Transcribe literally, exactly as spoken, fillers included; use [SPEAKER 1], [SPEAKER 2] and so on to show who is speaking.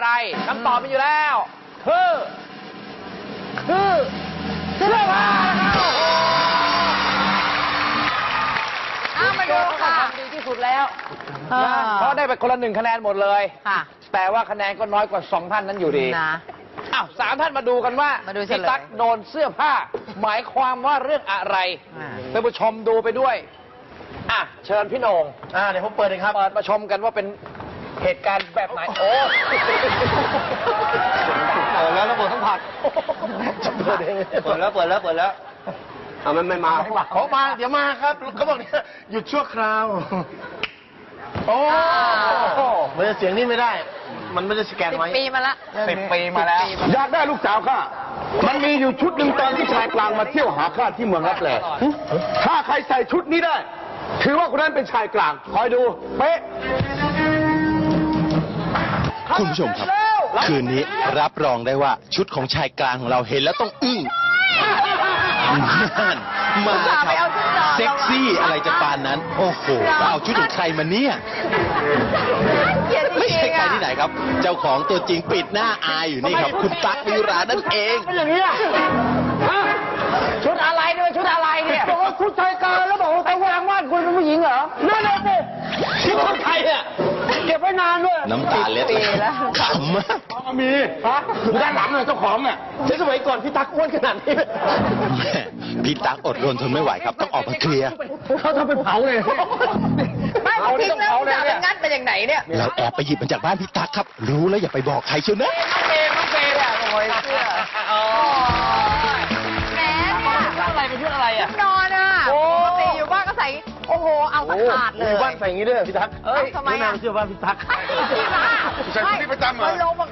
[SPEAKER 1] อะไรคำตอบมีอยู่แล้วคือคือเสื้อผ้านะครับ
[SPEAKER 2] มาดูค่ะ
[SPEAKER 1] ทำดีที่สุดแล้วเพราะได้ไปคนละหนึ่งคะแนนหมดเลยค่ะแต่ว่าคะแนนก็น้อยกว่าสองท่านนั้นอยู่ดีนะอ้าวสามท่านมาดูกันว่าพี่ตั๊กโดนเสื้อผ้าหมายความว่าเรื่องอะไรท่านผู้ชมดูไปด้วยอ่ะเชิญพี่โหน่งอ่าเดี๋ยวผมเปิดเลยครับเปิดมาชมกันว่าเป็นเหตุการณ์แบบไหนโอ้เปิดแล้วระบบสัมผัสเปิดเปิดแล้วเปิดแล้วเปิดแล้วอ่ามันไม่มาเขามาเดี๋ยวมาครับเขาบอกเนี่ยหยุดชั่วคราวโอ้มันจะเสียงนี่ไม่ได้มันไม่ได้สแกนไว้
[SPEAKER 2] สิบปีมาละ
[SPEAKER 1] สิบปีมาแล้ว
[SPEAKER 3] อยากได้ลูกสาวข้ามันมีอยู่ชุดหนึ่งตอนที่ชายกลางมาเที่ยวหาข้าที่เมืองรับแลถ้าใครใส่ชุดนี้ได้ถือว่าคนนั้นเป็นชายกลางคอยดูเป๊ะ
[SPEAKER 4] คุณผู้ชมครับคืนนี้รับรองได้ว่าชุดของชายกลางของเราเห็นแล้วต้องอึ้งนั่นมาครับเซ็กซี่อะไรจะปานนั้นโอ้โหเอาชุดของใครมาเนี่ยไม่ใช่ใครที่ไหนครับเจ้าของตัวจริงปิดหน้าอายอยู่นี่ครับคุณตั๊กวิรานั่นเอง
[SPEAKER 1] เป็นอย่างนี้อ่ะชุดอะไรเนี่ยชุดอะไรเนี่ยบอกว่าชุดชายกลางแล้วบอกว่าแต่ว่าว่านคุณเป็นผู้หญิงเหรอนั่นเลยสิชุดคนไทยอ่ะเก็บไว้นานด้วย
[SPEAKER 4] น้ำตาเล็ดแล้วขำมาก
[SPEAKER 3] มีฮะด้านหลังเลยเจ้าของเนี่ย
[SPEAKER 1] ใช้สมัยก่อนพี่ตั๊กอ้วนขนาดนี้
[SPEAKER 4] พี่ตั๊กอดรนทนไม่ไหวครับต้องออกมาเคลียร์
[SPEAKER 3] เขาทำเป็นเผาเลย
[SPEAKER 2] ไม่เขาทิ้งแล้วจะเป็นงัดไปอย่างไหนเนี่ย
[SPEAKER 4] เราแอบไปหยิบมันจากบ้านพี่ตั๊กครับรู้แล้วอย่าไปบอกใครเชียวนะ
[SPEAKER 1] น้องเฟย์น้องเฟย์อ่ะโอ้ยเสื้อ
[SPEAKER 2] แหมเนี่ย
[SPEAKER 1] ชุดอะไรเป็นชุดอะไรอ่ะ
[SPEAKER 2] นอนอ่ะปกติอยู่บ้านก็ใส่โอ้โหเอาตะขาดเลย
[SPEAKER 1] บ้านใส่อย่างนี้ด้วยพี่ตั๊ก
[SPEAKER 2] เอ้ยทำไมอ่ะ
[SPEAKER 1] เสื้อบ้านพี่ตั๊ก
[SPEAKER 2] ใส่ชุดนี้ประจำเหรอมันลง